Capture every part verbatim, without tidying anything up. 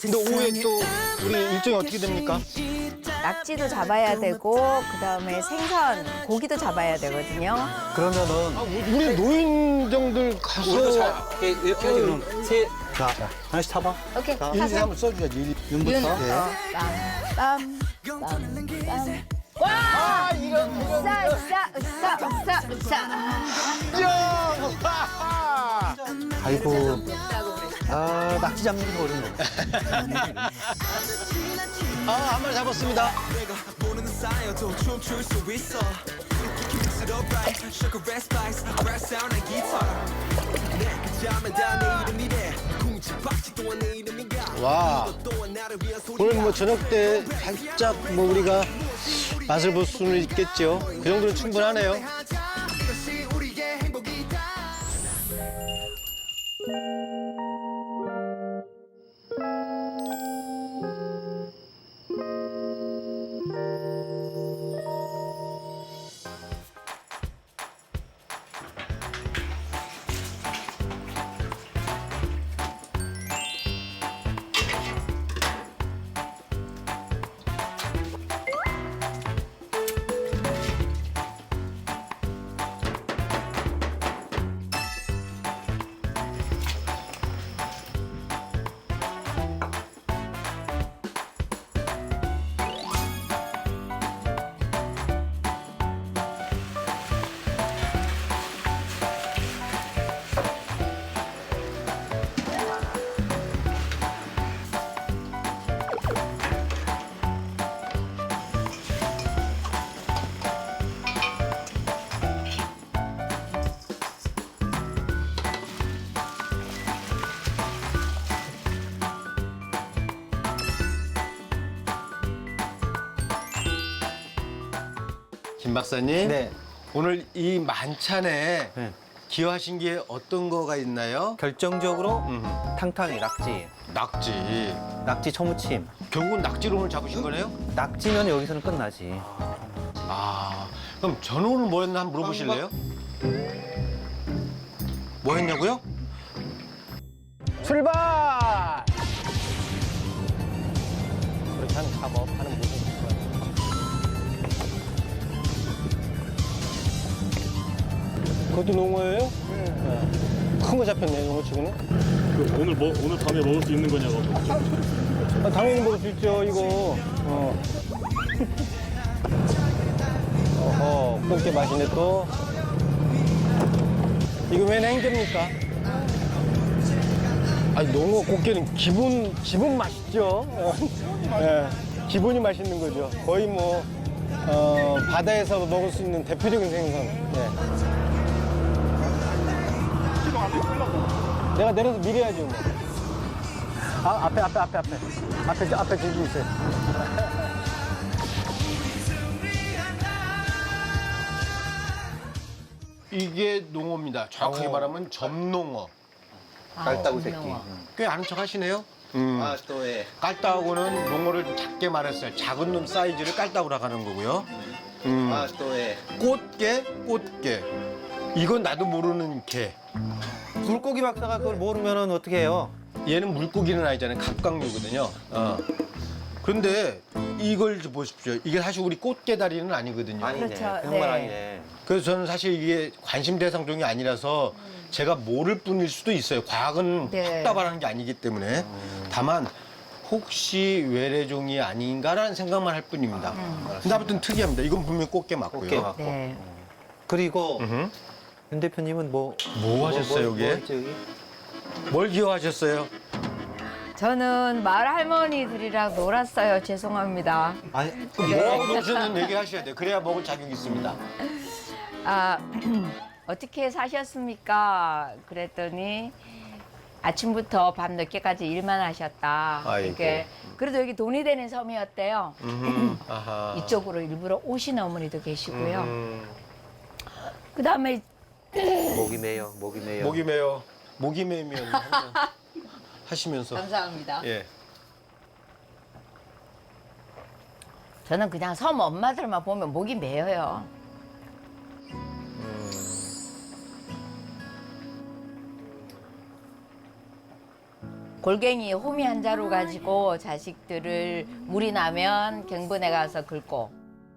근데 오후에 또 우리 일정이 어떻게 됩니까? 낙지도 잡아야 되고 그다음에 생선, 고기도 잡아야 되거든요. 그러면은 아, 우리 노인정들 가서 우리도 자, 이렇게, 이렇게 하지 그럼 세. 자, 하나씩 타봐. 오케이, 일, 이, 타세요. 삼을 써줘야지. 일, 윤부터. 윤, 어, 네. 땀, 땀, 땀, 땀. 와! 이런, 으쌰, 으쌰, 으쌰, 으쌰, 으쌰. 야! 아이고. 아, 낙지 잡는 게 더 어렵네. 아, 한 마리 잡았습니다. 모르는 사이여도 춤출 수 있어 Mix it up right Sugar red spice Rap sound and guitar 내그 잠에 다 내 이름이래 궁지박지 또한 내 이름인가 와. 또한 나를 위한 소리야 오늘 뭐 저녁 때 살짝 뭐 우리가 맛을 볼 수는 있겠죠. 그 정도는 충분하네요. 그것이 우리의 행복이다 김 박사님. 네. 오늘 이 만찬에 네. 기여하신 게 어떤 거가 있나요? 결정적으로 음, 탕탕이, 낙지. 낙지. 낙지 초무침. 결국은 낙지로 오늘 잡으신 거네요? 낙지면 여기서는 끝나지. 아, 그럼 저는 오늘 뭐였나 한번 물어보실래요? 뭐 했냐고요? 출발! 그렇게 하는 작업, 하는 모습. 그것도 농어예요? 네. 큰 거 잡혔네, 농어치고는. 그 오늘 뭐 오늘 밤에 먹을 수 있는 거냐고. 아, 당연히 먹을 수 있죠, 이거. 어. 어허, 꽃게 맛있네, 또. 이거 웬 행제입니까? 아니, 농어, 꽃게는 기본, 기본 맛있죠. 예, 기본이 맛있는 거죠. 거의 뭐, 어, 바다에서 먹을 수 있는 대표적인 생선. 예. 내가 내려서 밀어야죠, 뭐. 아, 앞에, 앞에, 앞에, 앞에. 앞에, 저 앞에 저기 있어요. 이게 농어입니다. 정확하게 말하면 점농어. 깔따구 새끼. 꽤 아는 척 하시네요. 아, 또 예. 깔따구는 농어를 좀 작게 말했어요. 작은 놈 사이즈를 깔따구라고 하는 거고요. 음. 아, 또 예. 꽃게, 꽃게. 이건 나도 모르는 게. 물고기 박사가 그걸 모르면은 어떻게 해요? 얘는 물고기는 아니잖아요. 갑각류거든요. 어. 그런데 이걸 좀 보십시오. 이게 사실 우리 꽃게 다리는 아니거든요. 아니네. 그렇죠. 정말 네. 아니네. 그래서 저는 사실 이게 관심 대상 종이 아니라서 제가 모를 뿐일 수도 있어요. 과학은 네. 확답하는 게 아니기 때문에. 다만 혹시 외래종이 아닌가라는 생각만 할 뿐입니다. 근데 아무튼 특이합니다. 이건 분명히 꽃게 맞고요. 꽃게 맞고. 네. 그리고 음흠. 윤 대표님은 뭐. 뭐 하셨어요, 뭐, 뭐 여기에? 했죠, 여기? 뭘 기여하셨어요? 저는 마을 할머니들이랑 놀았어요. 죄송합니다. 아니, 뭐하고 노셨는 얘기 하셔야 돼요. 그래야 먹을 자격이 있습니다. 아, 어떻게 사셨습니까? 그랬더니 아침부터 밤 늦게까지 일만 하셨다. 아이고. 이게 그래도 여기 돈이 되는 섬이었대요. 음흠. 아하. 이쪽으로 일부러 오신 어머니도 계시고요. 음. 그다음에 목이 메요, 목이 메요. 목이 메요. 목이 메면 한번 하시면서. 감사합니다. 예. 저는 그냥 섬 엄마들만 보면 목이 메어요. 골갱이 호미 한 자루 가지고 자식들을 물이 나면 경분에 가서 긁고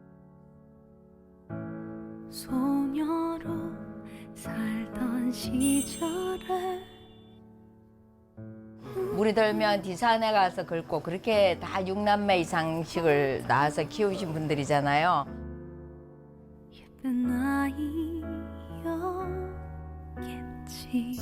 소녀로 살던 시절에 물이 들면 디산에 가서 긁고 그렇게 다 육남매 이상씩을 낳아서 키우신 분들이잖아요. 예쁜 아이였겠지.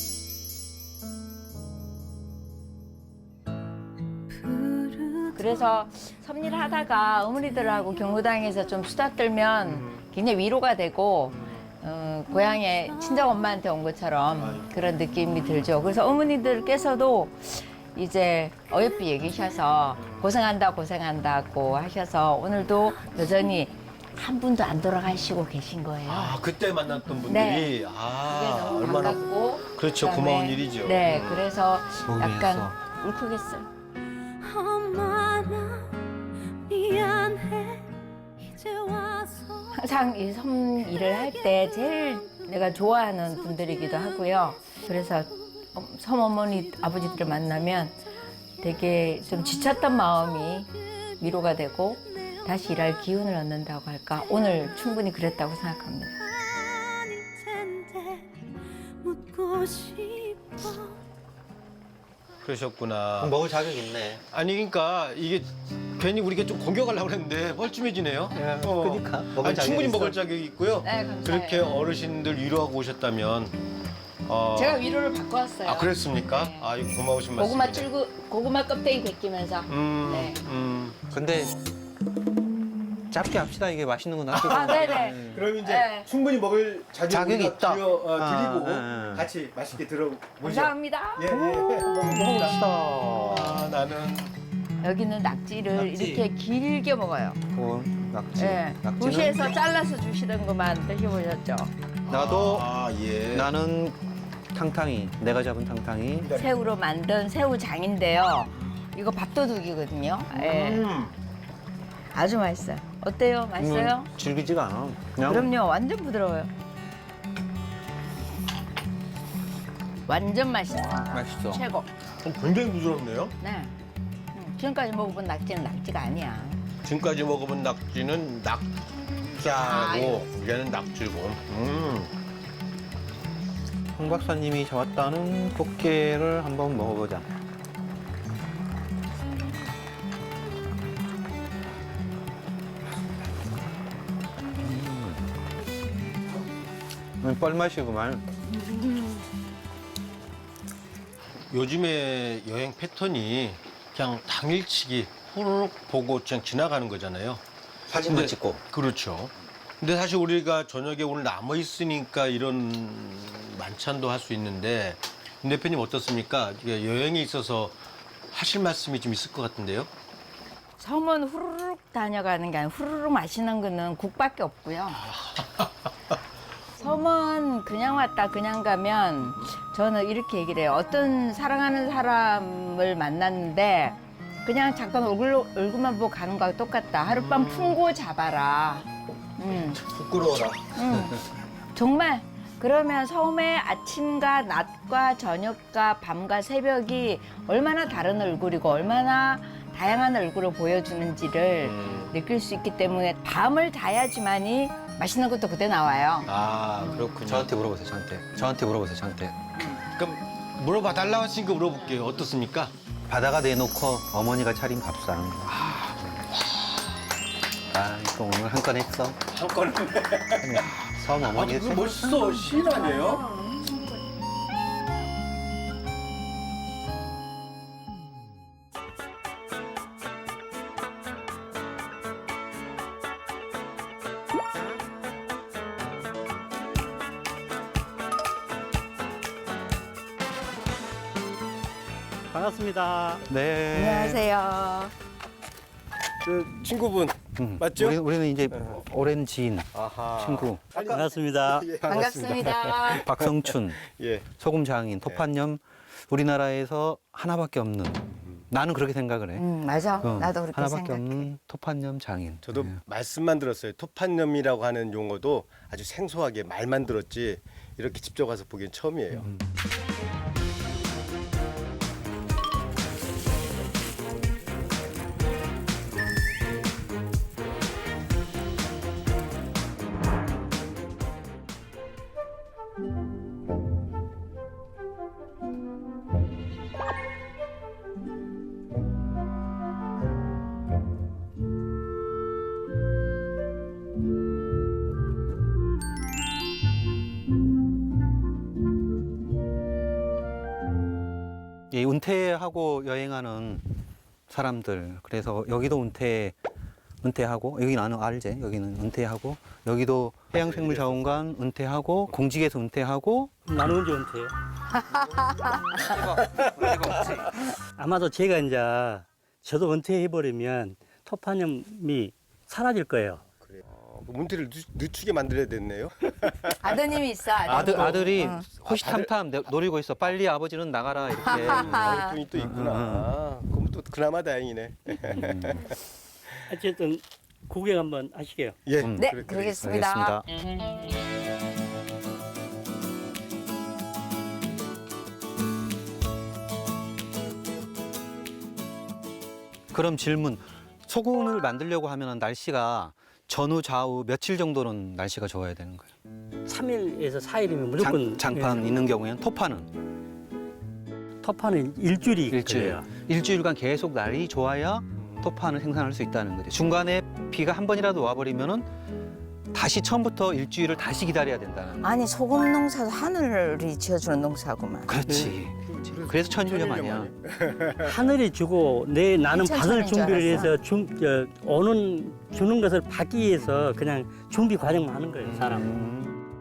그래서 섭일 하다가 어머니들하고 경로당에서 좀 수다 떨면 굉장히 위로가 되고 어, 고향에 친정 엄마한테 온 것처럼 그런 느낌이 들죠. 그래서 어머니들께서도 이제 어여삐 얘기하셔서 고생한다 고생한다고 하셔서 오늘도 여전히 한 분도 안 돌아가시고 계신 거예요. 아 그때 만났던 분들이 네. 그게 아 너무 얼마나 반갑고 그렇죠 그다음에 고마운 일이죠. 네, 그래서 보기 약간 위해서. 울컥했어요. 엄마 나 미안해 이제 와서 항상 이 섬 일을 할 때 제일 내가 좋아하는 분들이기도 하고요. 그래서 섬 어머니 아버지들을 만나면 되게 좀 지쳤던 마음이 위로가 되고 다시 일할 기운을 얻는다고 할까. 오늘 충분히 그랬다고 생각합니다. 아닐 텐데 묻고 싶어. 그러셨구나. 먹을 자격 있네. 아니 그러니까 이게 괜히 우리가 좀 공격하려고 그랬는데 뻘쭘해지네요. 어. 그러니까 먹을 아니, 자격이 충분히 있어. 먹을 자격이 있고요. 네, 감사해요. 그렇게 어르신들 위로하고 오셨다면 어. 제가 위로를 받고 왔어요. 아 그랬습니까? 네. 아 이거 고마우신 말씀. 고구마 찔고 고구마 껍데기 벗기면서. 음, 네. 음. 근데 짧게 합시다. 이게 맛있는 거 놔두고. 아, 네네. 그럼 이제 네. 충분히 먹을 자격이, 자격이 우리가 있다. 드려, 어, 아, 드리고 아, 아. 같이 맛있게 들어보죠. 감사합니다. 예, 예. 먹어봅시다. 아, 아, 나는 여기는 낙지를 낙지. 이렇게 길게 먹어요. 그 낙지. 예. 낙지는 도시에서 잘라서 주시는 것만 드셔보셨죠? 나도 아, 예. 나는 탕탕이. 내가 잡은 탕탕이. 새우로 만든 새우장인데요. 이거 밥도둑이거든요. 예. 음. 아주 맛있어요. 어때요? 맛있어요? 음, 질기지가 않아. 그냥 그럼요. 완전 부드러워요. 완전 맛있어. 맛있어. 최고. 어, 굉장히 부드럽네요. 네. 음, 지금까지 먹어본 낙지는 낙지가 아니야. 지금까지 먹어본 낙지는 낙자고 얘는 낙지고. 음. 홍 박사님이 잡았다는 꽃게를 한번 먹어보자. 음, 뻘맛이구만. 요즘에 여행 패턴이 그냥 당일치기 후루룩 보고 그냥 지나가는 거잖아요. 사진만 근데- 찍고. 그렇죠. 근데 사실 우리가 저녁에 오늘 남아 있으니까 이런 만찬도 할 수 있는데 임 대표님 어떻습니까? 이게 여행에 있어서 하실 말씀이 좀 있을 것 같은데요. 섬은 후루룩 다녀가는 게 아니라 후루룩 마시는 거는 국밖에 없고요. 섬은 그냥 왔다 그냥 가면 저는 이렇게 얘기를 해요. 어떤 사랑하는 사람을 만났는데 그냥 잠깐 얼굴, 얼굴만 보고 가는 거하고 똑같다. 하룻밤 품고 잡아라. 음. 부끄러워라. 음. 정말 그러면 섬의 아침과 낮과 저녁과 밤과 새벽이 얼마나 다른 얼굴이고 얼마나 다양한 얼굴을 보여주는지를 음. 느낄 수 있기 때문에 밤을 자야지만이 맛있는 것도 그때 나와요. 아 그렇군요. 저한테 물어보세요, 저한테. 저한테 물어보세요, 저한테. 그럼 물어봐 달라고 했으니까 물어볼게요. 어떻습니까? 바다가 내놓고 어머니가 차린 밥상. 아, 또 오늘 한 건 했어. 한 건은. 섬 어머니 그거 멋있어. 시인 아니에요? 반갑습니다. 네. 안녕하세요. 저 친구분 음, 맞죠? 우리, 우리는 이제 오랜 지인, 아하. 친구. 반갑습니다. 예, 반갑습니다. 박성춘, 예. 소금 장인, 토판염. 우리나라에서 하나밖에 없는. 나는 그렇게 생각을 해. 음, 맞아. 어, 나도 그렇게 하나밖에 생각해. 없는 토판염 장인. 저도 네. 말씀만 들었어요. 토판염이라고 하는 용어도 아주 생소하게 말만 들었지 이렇게 직접 가서 보기엔 처음이에요. 은퇴하고 여행하는 사람들. 그래서 여기도 은퇴 은퇴하고 여기 나는 알제 여기는 은퇴하고 여기도 해양생물자원관 은퇴하고 공직에서 은퇴하고 나는 언제 은퇴해요? 아마도 제가 이제 저도 은퇴해버리면 토파념이 사라질 거예요. 어, 문태를 늦, 늦추게 만들어야 됐네요. 아드님이 있어. 아드님. 아들 아들이 응. 호시탐탐 내- 노리고 있어. 빨리 아버지는 나가라 이렇게. 어른분이 또 있구나. 그럼 또 그나마 다행이네. 어쨌든 구경 한번 하시게요. 예. 음. 네, 그래, 그래. 그러겠습니다. 알겠습니다. 그럼 질문. 소금을 만들려고 하면 날씨가 전후 좌우 며칠 정도는 날씨가 좋아야 되는 거예요? 삼 일에서 사 일이면 무조건 장, 장판 예, 있는 경우에는 토파는 토파는 일주일이 일주일. 걸려요. 일주일간 계속 날이 좋아야 토파는 생산할 수 있다는 거죠. 중간에 비가 한 번이라도 와버리면은 다시 처음부터 일주일을 다시 기다려야 된다는. 아니 소금 농사도 하늘이 지어주는 농사구만. 그렇지. 그래서 천일염 아니야. 하늘이 주고 내 나는 받을 이천천인 줄 준비를 알았어. 해서 준, 저, 오는 주는 것을 받기 위해서 그냥 준비 과정만 하는 거예요, 사람. 음.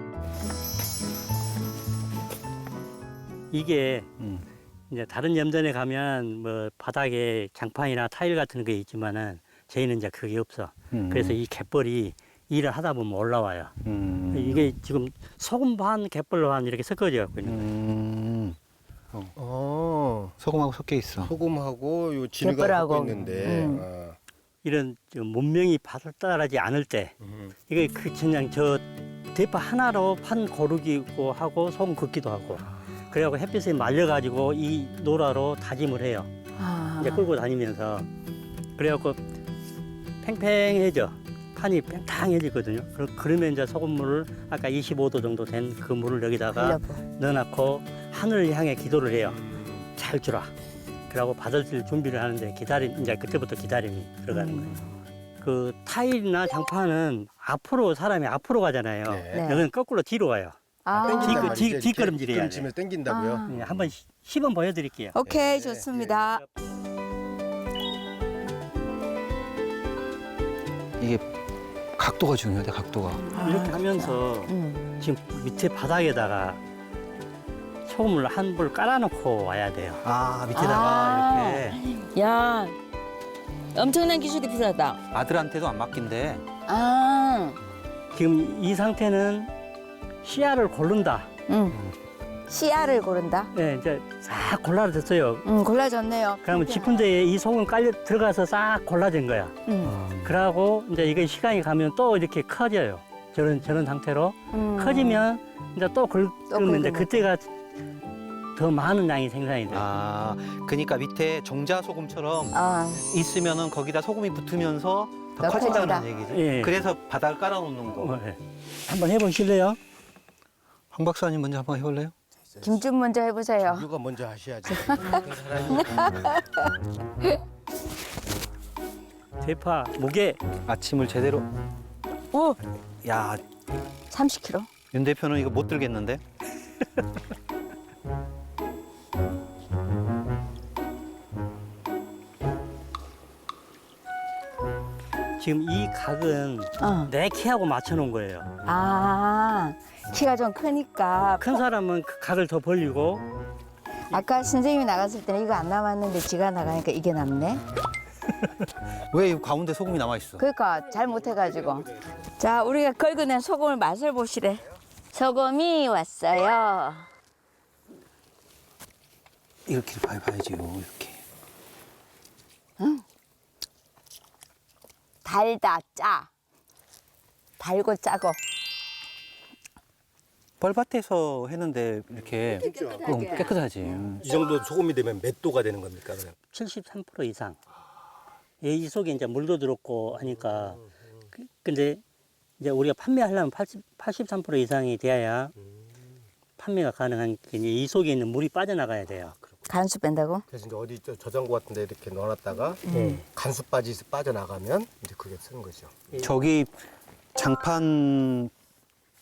이게 음. 이제 다른 염전에 가면 뭐 바닥에 장판이나 타일 같은 게 있지만은 저희는 이제 그게 없어. 음. 그래서 이 갯벌이 일을 하다 보면 올라와요. 음. 이게 지금 소금 반, 갯벌 반 이렇게 섞어져 갖고 있는 거예요. 음. 어. 소금하고 섞여 있어. 소금하고 요 진흙하고 갯벌하고. 섞여 있는데. 음. 아. 이런 저 문명이 발달하지 않을 때 음. 이게 그 그냥 저 대파 하나로 판 고르기고 하고 소금 긋기도 하고 그래갖고 햇빛에 말려가지고 이 노라로 다짐을 해요. 아. 이제 끌고 다니면서 그래갖고 팽팽해져 판이 팽팽해지거든요. 그러- 그러면 이제 소금물을 아까 이십오 도 정도 된 그 물을 여기다가 흘려보. 넣어놓고 하늘을 향해 기도를 해요. 잘 주라. 그러고 받을 준비를 하는데 기다림 이제 그때부터 기다림이 들어가는 거예요. 그 타일이나 장판은 앞으로 사람이 앞으로 가잖아요. 네. 여기는 거꾸로 뒤로 가요. 아. 땡긴단 땡긴단 뒤- 말이죠. 이렇게 뒷걸음질 해야 뒷걸음질을 땡긴다고요. 아. 예, 한번 시- 시범 보여드릴게요. 오케이 네, 좋습니다. 이게 각도가 중요하다. 각도가. 이렇게 하면서 음. 지금 밑에 바닥에다가 소금을 한 불 깔아놓고 와야 돼요. 아 밑에다가 아. 이렇게 야, 엄청난 기술이 필요하다. 아들한테도 안 맡긴대. 아, 지금 이 상태는 씨알을 고른다. 응. 씨알을 고른다. 예, 이제 싹 골라졌어요. 응, 골라졌네요. 그러면 짚은 데에 이 소금 깔려 들어가서 싹 골라진 거야. 응. 그러고 이제 이게 시간이 가면 또 이렇게 커져요. 저런 저런 상태로 음. 커지면 이제 또 긁으면 이제 긁으면. 그때가 더 많은 양이 생산이 돼요. 아 그러니까 밑에 종자 소금처럼 아, 있으면은 거기다 소금이 붙으면서 더 더 커진다는 커진다. 얘기지. 예. 그래서 바닥을 깔아놓는 거. 어, 예. 한번 해보실래요? 황 박사님 먼저 한번 해볼래요? 김준 먼저 해보세요. 누가 먼저 하셔야지. 대파 무게 아침을 제대로. 오, 야, 삼십 킬로그램. 윤 대표는 이거 못 들겠는데? 지금 이 각은 어. 내 키하고 맞춰놓은 거예요. 아, 키가 좀 크니까. 큰 사람은 그 각을 더 벌리고 아까 선생님이 나갔을 때는 이거 안 남았는데 지가 나가니까 이게 남네. 왜 이 가운데 소금이 남아 있어? 그러니까 잘 못해가지고. 자, 우리가 긁어낸 소금을 맛을 보시래. 소금이 왔어요. 이렇게 봐야 봐야지요. 이렇게. 달다, 짜. 달고 짜고. 뻘밭에서 했는데 이렇게 어, 깨끗하지. 이 정도 소금이 되면 몇 도가 되는 겁니까? 그럼? 칠십삼 퍼센트 이상. 예, 이 속에 이제 물도 들었고 하니까. 그- 근데 이제 우리가 판매하려면 팔십, 팔십삼 퍼센트 이상이 돼야 판매가 가능한 게 이제 이 속에 있는 물이 빠져나가야 돼요. 간수 뺀다고? 그래서 이제 어디 저 저장고 같은 데 이렇게 넣어놨다가 네. 간수 빠지 빠져나가면 이제 그게 쓰는 거죠. 저기 장판하고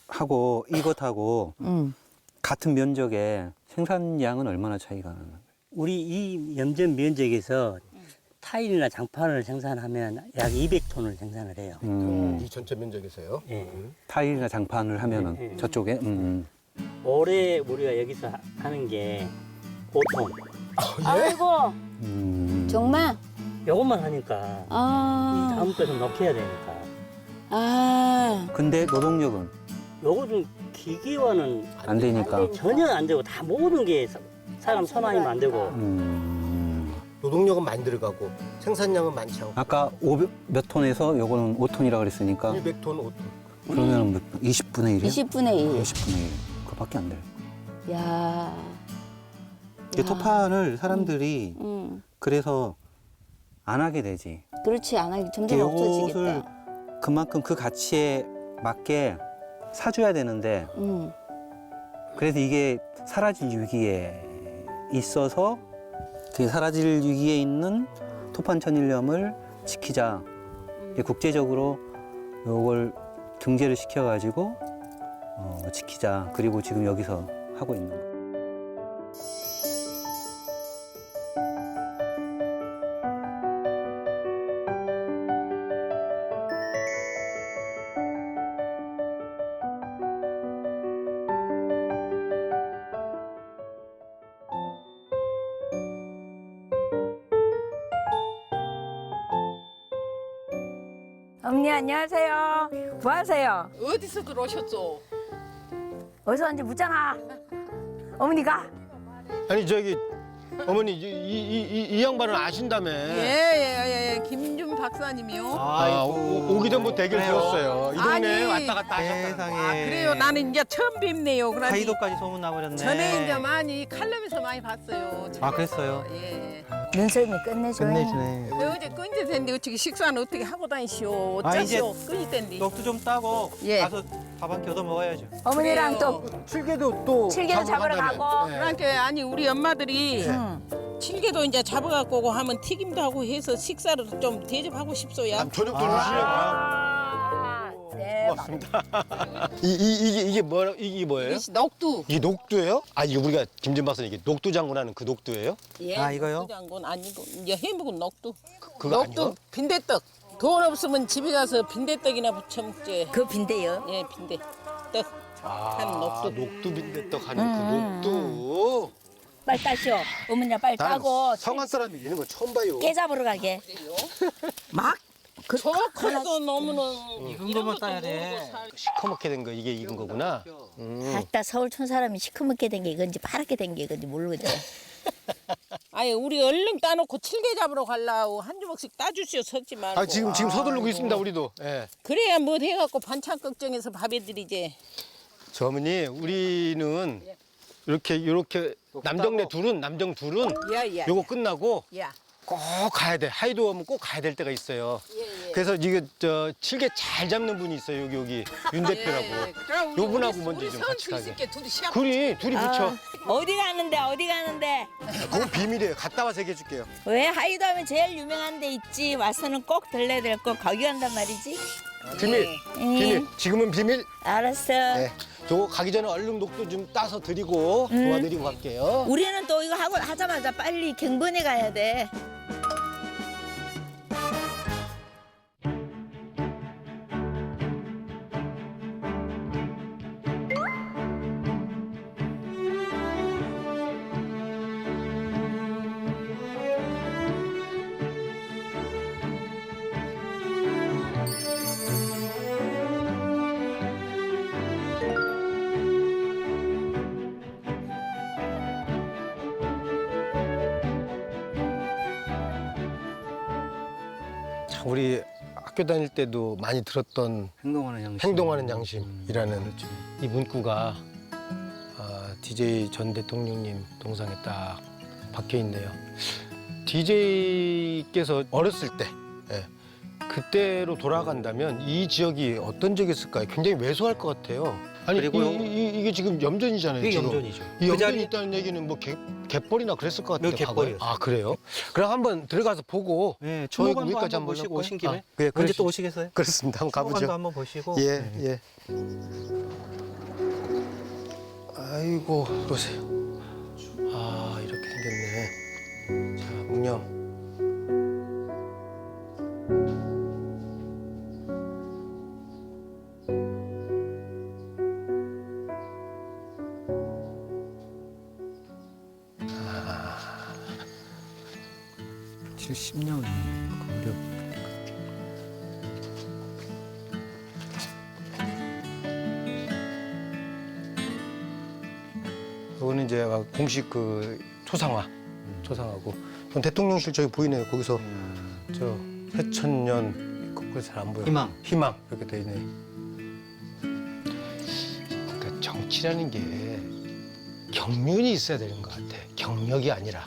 이것하고 응. 같은 면적에 생산량은 얼마나 차이가 나는 거예요? 우리 이 염전 면적에서 타일이나 장판을 생산하면 약 이백 톤을 생산을 해요. 음, 이 전체 면적에서요. 예. 타일이나 장판을 하면은 네. 저쪽에 음, 올해 우리가 여기서 하- 하는 게 오 톤. 아이고 음. 정말 요것만 하니까 이 아, 다음 거좀 넣게 해야 되니까. 아 근데 노동력은 요거는 기계와는 안 되니까. 전혀 안 되고 다 모든 게 사- 사람 손 아니면 안 되고. 음. 노동력은 많이 들어가고 생산량은 많지 않고. 아까 오백 몇 톤에서 요거는 오 톤이라 그랬으니까 백 톤, 오 톤. 그러면 몇, 이십분의 일이요? 이십분의 일. 이십분의 일. 그거밖에 안 돼요. 야. 이게 토판을 사람들이 음. 그래서 안 하게 되지. 그렇지 안 하기 점점 요것을 없어지겠다. 그만큼 그 가치에 맞게 사줘야 되는데 음. 그래서 이게 사라질 위기에 있어서 그 사라질 위기에 있는 토판 천일염을 지키자. 이게 국제적으로 요걸 등재를 시켜가지고 어, 지키자. 그리고 지금 여기서 하고 있는 거. 어머니 안녕하세요. 뭐 하세요? 어디서 들어오셨죠? 어디서 왔는지 묻잖아. 어머니가 아니 저기 어머니 이, 이, 이, 이 양반은 아신다며. 예예예 김준 박사님이요. 아, 오, 오기 전부터 대결 지었어요. 이 동네 아니. 왔다 갔다 하셨다. 세상에. 아 그래요. 나는 이제 처음 뵙네요. 그러니 카이도까지 소문 나버렸네. 전에 이제 많이 칼럼에서 많이 봤어요. 아, 그랬어요? 예. 눈썰미 끝내줘요. 끝내주네. 어제 끈이 된데 어떻게 식사는 어떻게 하고 다니시오? 아, 이제 어쩌시오? 끈이 된디. 떡도 좀 따고 예. 가서 밥 한 끼 얻어 먹어야죠. 어머니랑 그래요. 또 칠개도 또 칠개도 잡으러 간다며. 가고. 예. 그러니까 아니 우리 엄마들이 응. 칠개도 이제 잡아갖고 오고 하면 튀김도 하고 해서 식사를 좀 대접하고 싶소야. 남 저녁도 주시려고. 아, 대박. 고맙습니다. 이, 이, 이게 이게 뭐 이게 뭐예요? 이것이 녹두. 이게 녹두예요? 아 이게 우리가 김진 박사님 이게 녹두 장군하는 그 녹두예요? 예. 아, 이거요? 녹두 장군 아니고 이제 해묵은 녹두. 그거 녹두 아니요? 빈대떡. 돈 없으면 집에 가서 빈대떡이나 부쳐 먹지. 그 빈대요. 예, 빈대. 떡. 한 아 녹두. 녹두 빈대떡 하는 그 녹두. 빨리 따시오. 어머니랑 빨리 나는 따고 성한 사람이 이런 거 처음 봐요. 깨 잡으러 가게. 막? 그 저 커도 너무는 익은 것만 따야 돼. 시커멓게 된 거 이게 익은 거구나. 음. 아따 서울 촌 사람이 시커멓게 된 게 이건지 파랗게 된 게 이건지 모르거든. 아니 우리 얼른 따놓고 칠개 잡으러 가려고 한 주먹씩 따주시오 섰지 말고. 아 지금 지금 서두르고 있습니다 우리도. 예. 그래야 뭐 해갖고 반찬 걱정해서 밥 해드리지. 저 어머니 우리는 이렇게 이렇게 남정네 둘은 남정 둘은 야야. 요거 끝나고 야. 꼭 가야 돼. 하이도 오면 꼭 가야 될 때가 있어요. 예, 예. 그래서 이게 저 칠개 잘 잡는 분이 있어요. 여기 여기 윤 대표라고. 예, 그럼 우리- 요분하고 우리- 먼저 우리 좀 선 같이 가게. 뒤집게 둘이 시합. 둘이 둘이 붙여. 어디 가는데 어디 가는데? 그건 비밀이에요. 갔다 와서 얘기해 줄게요. 왜 하이도 하면 제일 유명한 데 있지. 와서는 꼭 들려야 될 거 거기 간단 말이지. 비밀. 응. 비밀. 지금은 비밀. 알았어. 네. 요거 가기 전에 얼른 녹도 좀 따서 드리고 도와드리고 갈게요. 우리는 또 이거 하고 하자마자 빨리 갱번에 가야 돼. 참 우리 학교 다닐 때도 많이 들었던 행동하는 양심. 행동하는 양심이라는 이 문구가 아, 디제이 전 대통령님 동상에 딱 박혀 있네요. 디제이께서 어렸을 때 예, 그때로 돌아간다면 이 지역이 어떤 지역이었을까요? 굉장히 왜소할 것 같아요. 아니 그리고요. 이, 이, 이게 지금 염전이잖아요. 이게 지금. 염전이죠. 이 그 염전이 자리 있다는 얘기는 뭐 개, 갯벌이나 그랬을 것 같아요. 네, 갯벌이었어요. 과거에. 아 그래요? 그럼 한번 들어가서 보고 네, 저희 추모관도 위까지 한번 한번 보시고 볼까요? 오신 김에 아, 네, 언제 그러시죠. 또 오시겠어요? 그렇습니다. 한번 추모관도 가보죠. 한번 보시고. 예, 네. 예. 아이고, 보세요. 아, 이렇게 생겼네. 양념. 칠십 년 무렵. 이거는 이제 아까 공식 그 초상화, 초상화고. 전 대통령실 저기 보이네요. 거기서 저 해천년 거기 잘 안 보여. 희망. 희망 이렇게 돼 있네. 그러니까 정치라는 게 경륜이 있어야 되는 것 같아. 경력이 아니라.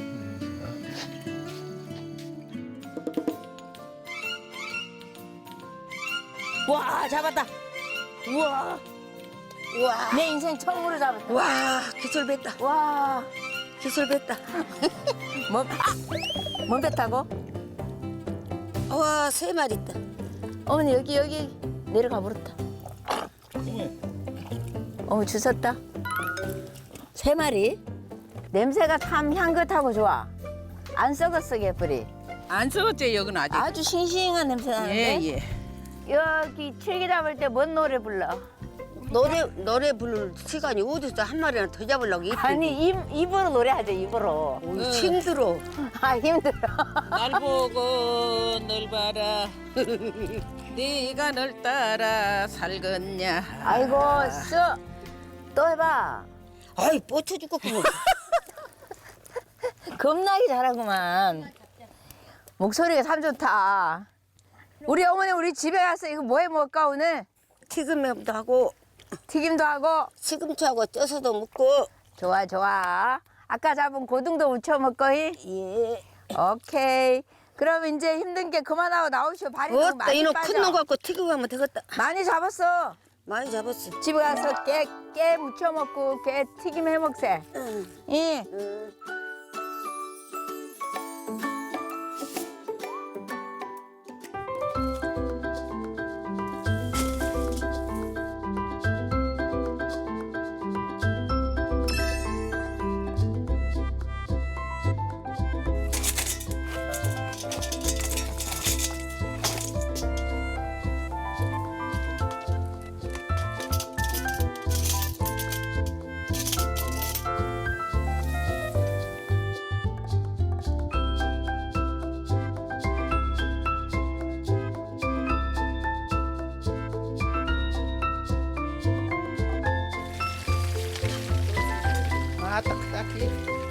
와 잡았다. 우와. 우와. 내 인생 처음으로 잡았다. 와 기술 뱉다. 와. 기술 뱉다. 뭐? 뭔 뱉다고? 와 세 마리 있다. 어머니 여기 여기 내려가 버렸다. 어머 주웠다. 세 마리. 냄새가 참 향긋하고 좋아. 안 썩었어 개뿔이. 안 썩었지 여기는 아직. 아주 싱싱한 냄새 나는데. 예 예. 여기 칠기 잡을 때 뭔 노래 불러? 노래 노래 부를 시간이 어디서 한 마리나 더 잡으려고 이쁘. 아니 입 입으로 노래하자 입으로. 오, 힘들어. 아 힘들어. 날 보고 널 봐라. 네가 널 따라 살겠냐. 아이고 쓱. 또 해봐. 아이 뻗쳐 죽겠구먼. 겁나게 잘하구만. 목소리가 참 좋다. 우리 어머니 우리 집에 가서 이거 뭐 해 먹을까 오늘? 튀김도 하고 튀김도 하고. 시금치하고 쪄서도 먹고. 좋아 좋아. 아까 잡은 고등도 무쳐 먹거이. 예. 오케이. 그럼 이제 힘든 게 그만하고 나오시오. 발이 너무 어따 많이 이놈 빠져. 큰 놈 갖고 튀기고 하면 되겠다. 많이 잡았어. 많이 잡았어. 집에 가서 깨, 깨 무쳐 먹고 깨 튀김 해 먹세. 응. 예. 응. 아 딱딱해.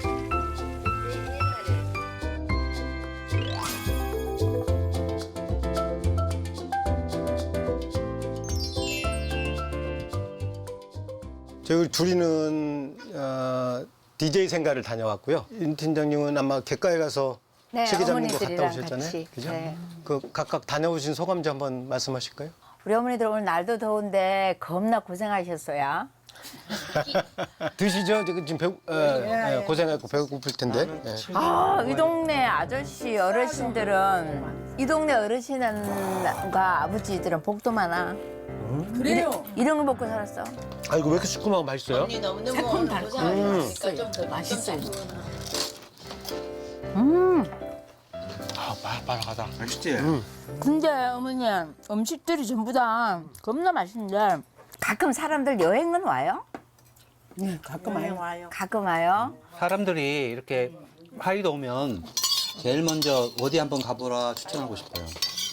저희 둘이는 어, 디제이 생가를 다녀왔고요. 임 팀장님은 아마 객가에 가서 네, 시계 잡는 거 갔다 어머니들이랑 오셨잖아요. 같이. 그죠? 네. 그 각각 다녀오신 소감 좀 한번 말씀하실까요? 우리 어머니들 오늘 날도 더운데 겁나 고생하셨어요. 드시죠? 지금 지금 배고, 예, 예, 고생하고 배고플 텐데. 예. 아, 이 동네 아저씨 어르신들은 이 동네 어르신과 아버지들은 복도 많아. 그래요. 이런 거 먹고 살았어. 아 이거 왜 이렇게 시큼하고 맛있어요? 새콤 달콤. 맛있어요. 음. 아 바삭바삭하다. 맛있지? 근데 어머니 음식들이 전부 다 겁나 맛있는데 가끔 사람들 여행은 와요? 네 가끔 와요. 가끔 와요? 사람들이 이렇게 하이도 오면 제일 먼저 어디 한번 가보라 추천하고 싶어요.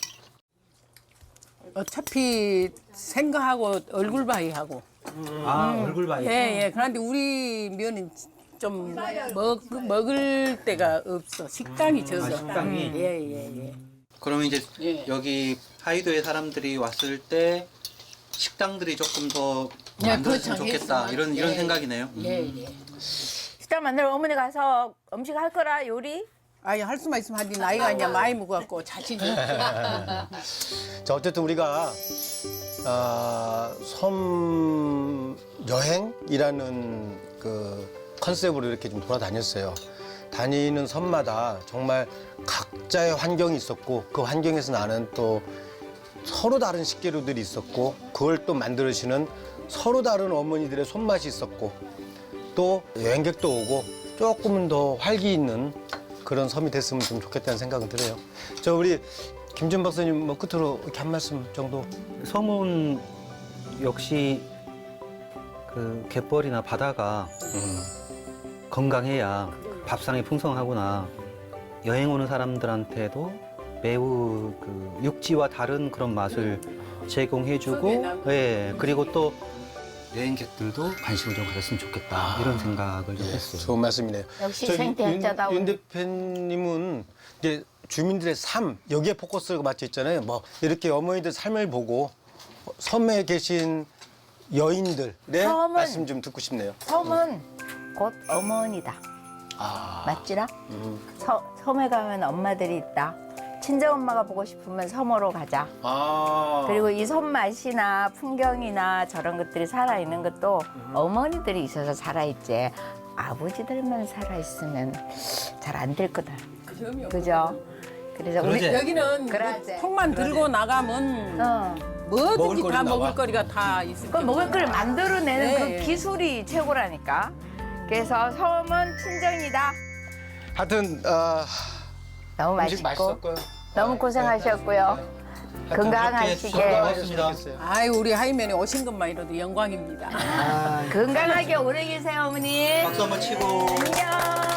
어차피 생각하고 얼굴 바위하고. 아 얼굴 봐야 예, 예. 그런데 우리 면은 좀 먹, 먹을 데가 없어. 식당이 적어. 식당이? 예, 예, 예. 그러면 이제 예. 여기 하이도에 사람들이 왔을 때 식당들이 조금 더 예, 만들어지면 그렇죠. 좋겠다 했으면. 이런 이런 예. 생각이네요. 예, 예. 식당 만들어 어머니 가서 음식 할 거라 요리? 아니, 할 수만 있으면 하지. 나이가 이제 많이 먹어갖고 자신이 없어. 자 어쨌든 우리가 아, 섬 여행이라는 그 컨셉으로 이렇게 좀 돌아다녔어요. 다니는 섬마다 정말 각자의 환경이 있었고 그 환경에서 나는 또 서로 다른 식재료들이 있었고 그걸 또 만들으시는 서로 다른 어머니들의 손맛이 있었고 또 여행객도 오고 조금은 더 활기 있는 그런 섬이 됐으면 좀 좋겠다는 생각은 들어요. 저 우리 김준 박사님 뭐 끝으로 이렇게 한 말씀 정도. 섬은 역시 그 갯벌이나 바다가 건강해야 밥상이 풍성하구나. 여행 오는 사람들한테도 매우 그 육지와 다른 그런 맛을 제공해주고, 예, 그리고 또 여행객들도 관심을 좀 가졌으면 좋겠다 이런 생각을 좀 했어요. 좋은 말씀이네요. 역시 저기 생태학자다운. 윤, 윤 대표님은 이제 주민들의 삶 여기에 포커스가 맞춰 있잖아요. 뭐 이렇게 어머니들 삶을 보고 섬에 계신 여인들의 섬은- 말씀 좀 듣고 싶네요. 섬은 곧 어머니다. 아, 맞지라? 음. 서, 섬에 가면 엄마들이 있다. 친정엄마가 보고 싶으면 섬으로 가자. 아. 그리고 이 섬 맛이나 풍경이나 저런 것들이 살아있는 것도 어머니들이 있어서 살아있지. 아버지들만 살아있으면 잘 안 될 거다. 그죠? 그래서 우리 그러지? 여기는 그러지. 통만 들고 나가면 어. 뭐든지 먹을거리 다 나와. 먹을거리가 다 있을 그 먹을 걸 만들어내는 네. 그 기술이 최고라니까. 그래서 섬은 친정이다. 하여튼 어, 너무 음식 맛있고 맛있었고요. 너무 고생하셨고요. 건강하시게. 건강하셨습니다. 아유 우리 하이면이 오신 것만이라도 영광입니다. 건강하게 오래 계세요, 어머니. 박수 한번 치고. 안녕.